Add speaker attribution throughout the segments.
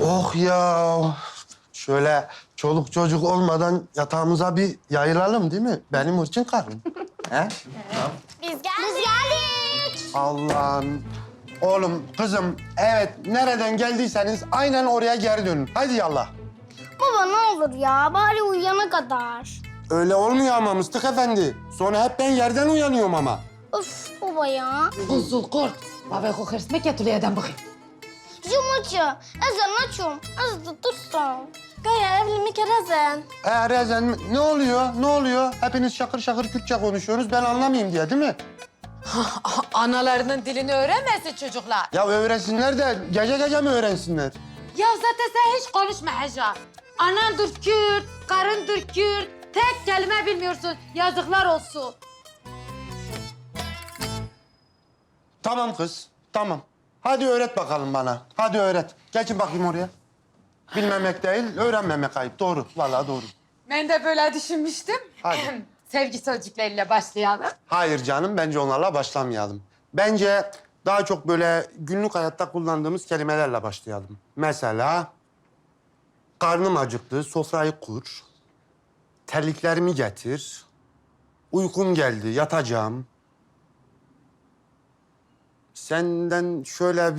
Speaker 1: Oh ya. Şöyle çoluk çocuk olmadan yatağımıza bir yayılalım değil mi? Benim için karım. He?
Speaker 2: Biz geldik.
Speaker 1: Allah'ım. Oğlum, kızım, evet nereden geldiyseniz aynen oraya geri dönün. Hadi yallah.
Speaker 2: Baba ne olur ya bari uyuyana kadar.
Speaker 1: Öyle olmuyor ama Mıstık Efendi. Sonra hep ben yerden uyanıyorum ama.
Speaker 2: Of baba ya.
Speaker 3: Kuzul kurt. Baba kokars me ketuleyeden bakayım.
Speaker 2: Cumhurcu. Ezan açıyorum. Az da dursun. Gaya evlimi kerezen.
Speaker 1: Rezen ne oluyor? Ne oluyor? Hepiniz şakır şakır Kürtçe konuşuyorsunuz. Ben anlamayayım diye değil mi?
Speaker 3: Analarının dilini öğrenmesin çocuklar.
Speaker 1: Ya öğrensinler de gece gece mi öğrensinler?
Speaker 3: Ya zaten sen hiç konuşma Hacer. Anandır Kürt, karındır Kürt. Tek kelime bilmiyorsun. Yazıklar olsun.
Speaker 1: Tamam kız, tamam. Hadi öğret bakalım bana. Hadi öğret. Geçin bakayım oraya. Bilmemek değil, öğrenmemek ayıp. Doğru, vallahi doğru.
Speaker 3: Ben de böyle düşünmüştüm.
Speaker 1: Hadi.
Speaker 3: Sevgi sözcükleriyle başlayalım.
Speaker 1: Hayır canım, bence onlarla başlamayalım. Bence daha çok böyle günlük hayatta kullandığımız kelimelerle başlayalım. Mesela, karnım acıktı, sofrayı kur. Terliklerimi getir. Uykum geldi, yatacağım. Senden şöyle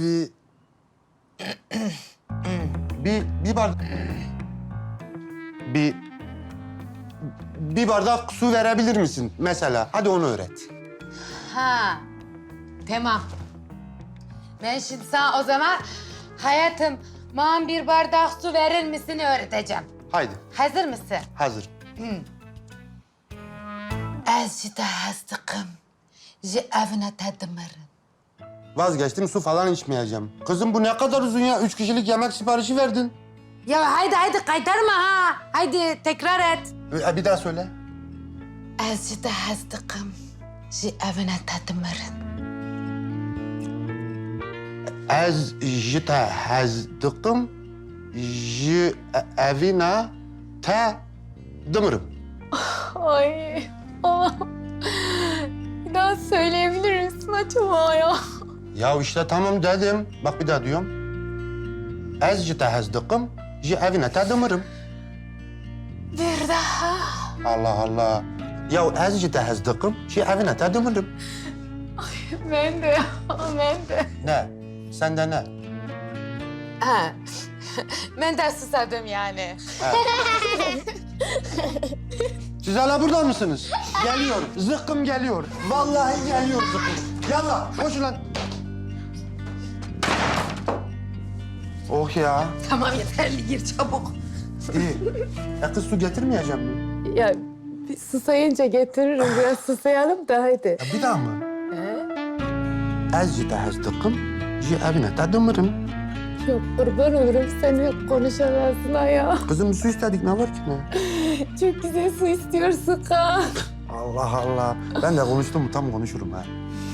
Speaker 1: bir bardak... Bir bardak su verebilir misin mesela? Hadi onu öğret.
Speaker 3: Ha, tamam. Ben şimdi sana o zaman hayatım bana bir bardak su verir misin öğreteceğim.
Speaker 1: Haydi,
Speaker 3: Hazır mısın?
Speaker 1: hazır.
Speaker 3: Azıcık hastıkım. Je evine tedmirin.
Speaker 1: Vazgeçtim, su falan içmeyeceğim. Kızım bu ne kadar uzun ya? 3 kişilik yemek siparişi verdin.
Speaker 3: Ya haydi kaytarma ha. Haydi tekrar et.
Speaker 1: Bir daha söyle.
Speaker 3: Azıcık hastıkım. Je evine tedmirin.
Speaker 1: Ez jite hazdıkım, evine te dımırım.
Speaker 4: Ay ama bir daha söyleyebilir misin acaba ya?
Speaker 1: Ya işte tamam dedim. Bak bir daha diyorum. Ez jite hazdıkım, evine te dımırım.
Speaker 3: Bir daha.
Speaker 1: Allah Allah. Ya ez jite hazdıkım, evine te dımırım.
Speaker 4: Ben de, ben de.
Speaker 1: Ne? Sende ne?
Speaker 3: Ha. Ben de susadım yani.
Speaker 1: Siz hala burada mısınız? Geliyor. Zıkkım geliyor. Vallahi geliyor zıkkım. Yallah koşun lan. Oh ya.
Speaker 3: Tamam yeterli gir çabuk.
Speaker 1: İyi. Kız su getirmeyeceğim mi?
Speaker 4: Ya bir susayınca getiririm. Biraz susayalım da hadi.
Speaker 1: Ya bir daha mı? Ez tehezdıkım, evine tadımırım.
Speaker 4: Yok kurban olurum seni yok konuşamazsın ha ya.
Speaker 1: Kızım su istedik ne var ki ne?
Speaker 4: Çok güzel su istiyorsun ha.
Speaker 1: Allah Allah. Ben de konuştum mu tam konuşurum ha.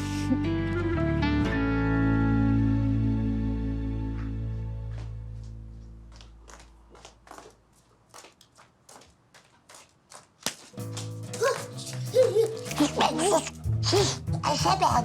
Speaker 2: Sus. Ayşe ben.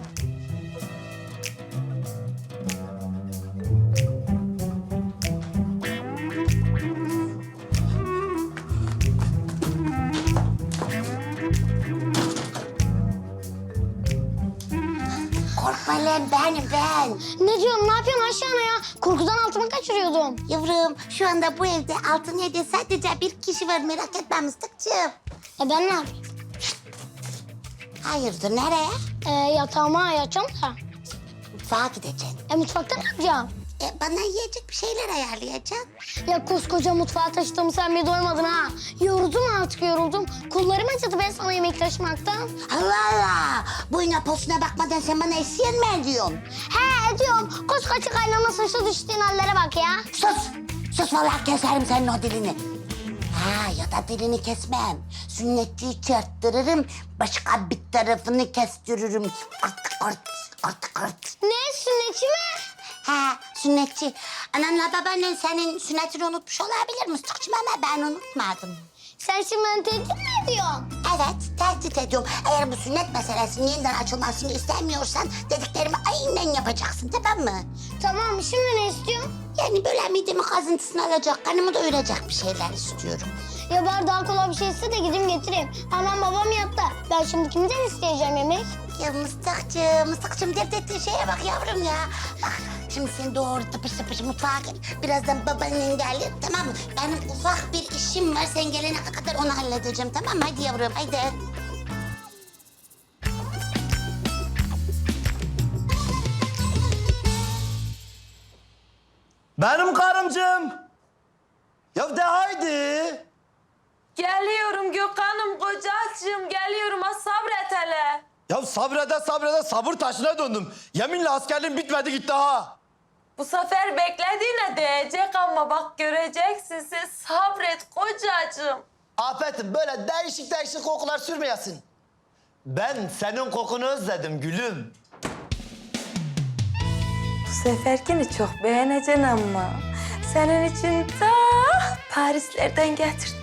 Speaker 2: Korkma lan benim ben. Ne diyorsun? Ne yapıyorsun aşağına ya? Korkudan altımı kaçırıyordum.
Speaker 5: Yavrum, şu anda bu evde altın yedi sadece bir kişi var, merak etme Mıstıkçığım.
Speaker 2: Ben ne yapayım?
Speaker 5: Hayırdır, nereye?
Speaker 2: Yatağıma yatacağım da.
Speaker 5: Mutfağa gideceksin.
Speaker 2: Mutfakta ne yapacağım?
Speaker 5: Bana yiyecek bir şeyler ayarlayacaksın.
Speaker 2: Ya koskoca mutfağa taşıdığımı sen bir doymadın ha. Yoruldum artık yoruldum. Kollarım acıdı ben sana yemek taşımaktan.
Speaker 5: Allah Allah! Boyuna posuna bakmadan sen bana esiyen mi ediyorsun?
Speaker 2: He ediyorum. Koskoca kaynana saçı düştüğün hallere bak ya.
Speaker 5: Sus! Sus vallahi keserim senin o dilini. Ha ya da dilini kesmem. Sünnetçiyi çarptırırım, başka bir tarafını kestiririm. Art.
Speaker 2: Ne sünnetçi mi?
Speaker 5: Ha, sünnetçi. Ananla babaannen senin sünnetini unutmuş olabilir Mıstıkçım ama ben unutmadım.
Speaker 2: Sen şimdi beni tehdit mi ediyorsun?
Speaker 5: Evet, tehdit ediyorum. Eğer bu sünnet meselesinin yeniden açılmasını istemiyorsan dediklerimi aynen yapacaksın, tamam mı?
Speaker 2: Tamam şimdi ne istiyorsun?
Speaker 5: Yani böyle midemi kazıntısını alacak, karnımı doyuracak bir şeyler istiyorum.
Speaker 2: Ya bari daha kolay bir şey iste de gideyim getireyim. Anam babam yattı. Ben şimdi kimden isteyeceğim yemek?
Speaker 5: Ya Mıstıkçığım dert ettiğin şeye bak yavrum ya. Bak şimdi sen doğru tıpış tıpış mutfağa git. Birazdan babaannen gelir tamam mı? Benim ufak bir işim var. Sen gelene kadar onu halledeceğim tamam mı? Hadi yavrum hadi.
Speaker 6: Benim karımcığım. Ya de haydi.
Speaker 7: Geliyorum Gökhan'ım kocacığım geliyorum ha sabret hele.
Speaker 6: Ya sabrede sabır taşına döndüm. Yeminle askerliğim bitmedi gitti ha.
Speaker 7: Bu sefer beklediğine değecek ama bak göreceksin sen sabret kocacığım.
Speaker 6: Afet'im böyle değişik kokular sürmeyesin. Ben senin kokunu özledim gülüm.
Speaker 7: Bu seferkini çok beğeneceksin ama senin için ta Parislerden getirdim.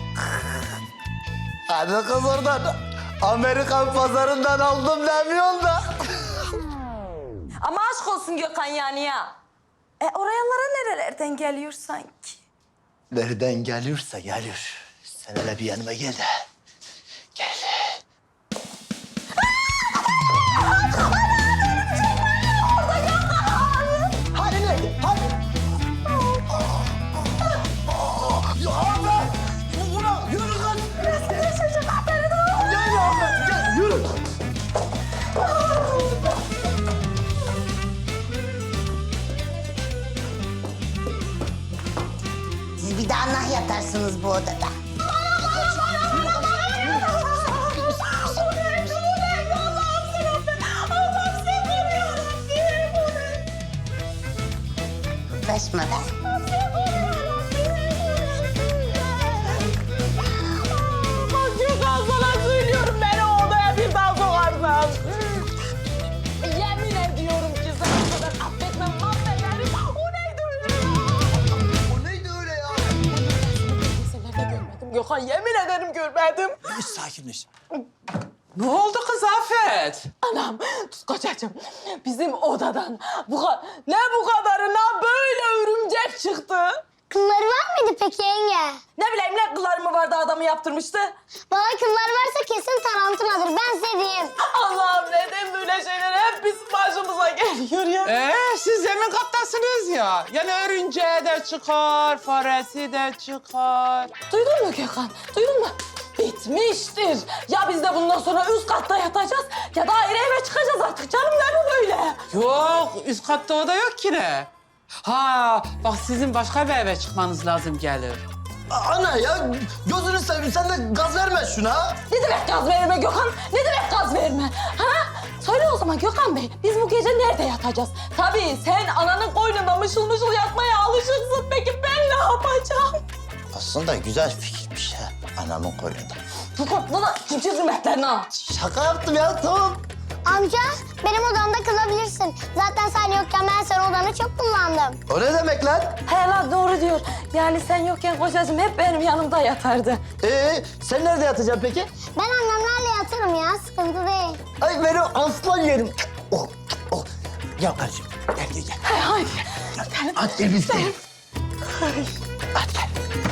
Speaker 6: Hadi kız oradan. Amerikan pazarından aldım demiyorsun da.
Speaker 7: Ama aşk olsun Gökhan yani ya. Oralara nerelerden geliyor sanki?
Speaker 6: Nereden geliyorsa geliyor. Sen hele bir yanıma gel de. Gel. Hani nerede? Hani? Ya Ahmet! Ulan yürü lan! Gel ya Ahmet, gel yürü!
Speaker 5: Siz bir daha nah yatarsınız bu odada. Uğraşma be.
Speaker 7: Gökhan sana söylüyorum beni o odaya bir daha sokarsan. Yemin ediyorum ki sen o kadar affetmem mahvederim. O neydi öyle ya?
Speaker 6: O neydi öyle ya?
Speaker 7: Senelerde görmedim Gökhan yemin ederim görmedim.
Speaker 6: Sakinleş.
Speaker 8: Ne oldu kız Afet?
Speaker 7: Anam, kocacığım bizim odadan ne bu kadarına böyle örümcek çıktı.
Speaker 2: Kılları var mıydı peki yenge?
Speaker 7: Ne bileyim ne kılları mı vardı adamı yaptırmıştı.
Speaker 2: Bana kıllar varsa kesin tarantuladır. Ben size diyeyim.
Speaker 7: Allah'ım neden böyle şeyler hep bizim başımıza geliyor ya.
Speaker 8: Siz zemin kattasınız ya. Yani örümceği de çıkar, faresi de çıkar.
Speaker 7: Duydun mu Gökhan? Duydun mu? Bitmiştir. Ya biz de bundan sonra üst katta yatacağız ya da ayrı eve çıkacağız artık canım ne bu böyle?
Speaker 8: Yok, üst katta oda yok ki ne? Ha, bak sizin başka bir eve çıkmanız lazım gelir.
Speaker 6: Ana ya gözünü seveyim sen de gaz verme şuna.
Speaker 7: Ne demek gaz verme Gökhan? Ne demek gaz verme? Ha? Söyle o zaman Gökhan Bey, biz bu gece nerede yatacağız? Tabii sen ananın koynunda mışıl mışıl yatmaya alışıksın. Peki ben ne yapacağım?
Speaker 6: Aslında güzel fikirmiş ha. Anamın koynunda.
Speaker 7: Gökhan bana cimcir hürmetlerini al.
Speaker 6: Şaka yaptım ya tamam.
Speaker 2: Amca benim odamda kılabilirsin. Zaten sen yokken ben senin odanı çok kullandım.
Speaker 6: O ne demek lan?
Speaker 7: He lan doğru diyor. Yani sen yokken kocacığım hep benim yanımda yatardı.
Speaker 6: Sen nerede yatacaksın peki?
Speaker 2: Ben annemlerle yatarım ya. Sıkıntı değil.
Speaker 6: Ay benim aslan yerim. Oh, oh. Gel kardeşim. Gel.
Speaker 7: He hadi.
Speaker 6: Hadi gel biz gidelim. Hadi gel.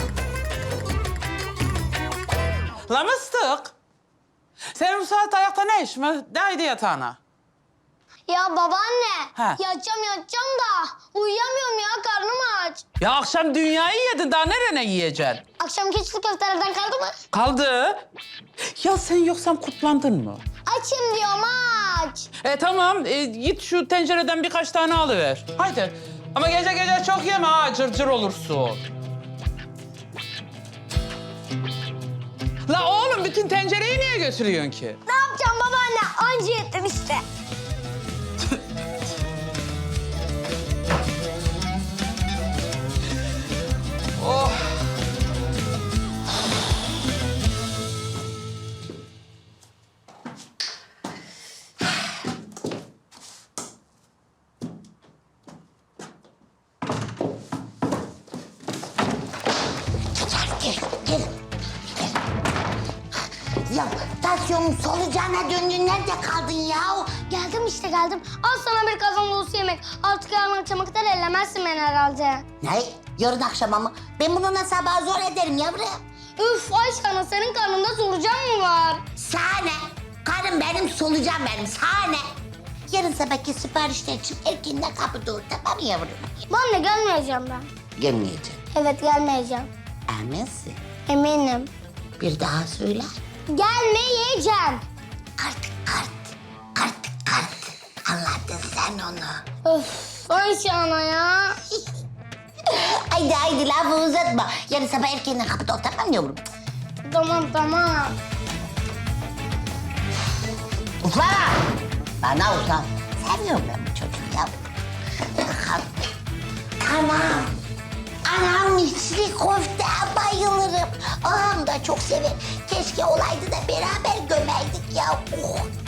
Speaker 8: La mıstık. Senin bu saatte ayakta ne işin var? Haydi yatağına.
Speaker 2: Ya babaanne.
Speaker 8: Ha.
Speaker 2: Yatacağım da uyuyamıyorum ya. Karnım aç.
Speaker 8: Ya akşam dünyayı yedin, daha nerene yiyeceksin?
Speaker 2: Akşamki içli köftelerden kaldı mı?
Speaker 8: Kaldı. Ya sen yoksam kutlandın mı?
Speaker 2: Açım diyorum aç.
Speaker 8: Tamam, git şu tencereden birkaç tane alıver. Haydi. Ama gece çok yeme ha, cırcır olursun. La oğlum, bütün tencereyi niye götürüyorsun ki?
Speaker 2: Ne yapacağım babaanne? Anca yettim işte.
Speaker 8: Oh.
Speaker 5: Gel. Ya tansiyonum solucağına döndü. Nerede kaldın ya? Gel
Speaker 2: Geldim işte geldim. Al sana bir kazan dolusu yemek. Artık yarın akşama kadar ellemezsin beni herhalde.
Speaker 5: Ne? Yarın akşama mı? Ben bunu nasıl sabah zor ederim yavrum.
Speaker 2: Üf Ayşe ana senin karnında solucan mı var?
Speaker 5: Sahne. Karım benim, solucan benim. Sahne. Yarın sabahki siparişler için erkenden kapıda ol, tamam mı yavrum?
Speaker 2: Ben de gelmeyeceğim ben.
Speaker 5: Gelmeyeceğim.
Speaker 2: Evet gelmeyeceğim.
Speaker 5: Eminsin.
Speaker 2: Eminim.
Speaker 5: Bir daha söyle.
Speaker 2: Gelmeyeceğim.
Speaker 5: Kart. Anladın sen onu.
Speaker 2: Öf Ayşe ana ya.
Speaker 5: Haydi lafı uzatma. Yarın sabah erkenden kapıda ol, tamam mı yavrum?
Speaker 2: Tamam.
Speaker 5: Ufla! Bana ufla. Seviyorum ben bu çocuğu yavrum. Bakalım. Tamam. Anam içli köfte bayılırım. Ağam da çok sever. Keşke olaydı da beraber gömerdik ya. Oh.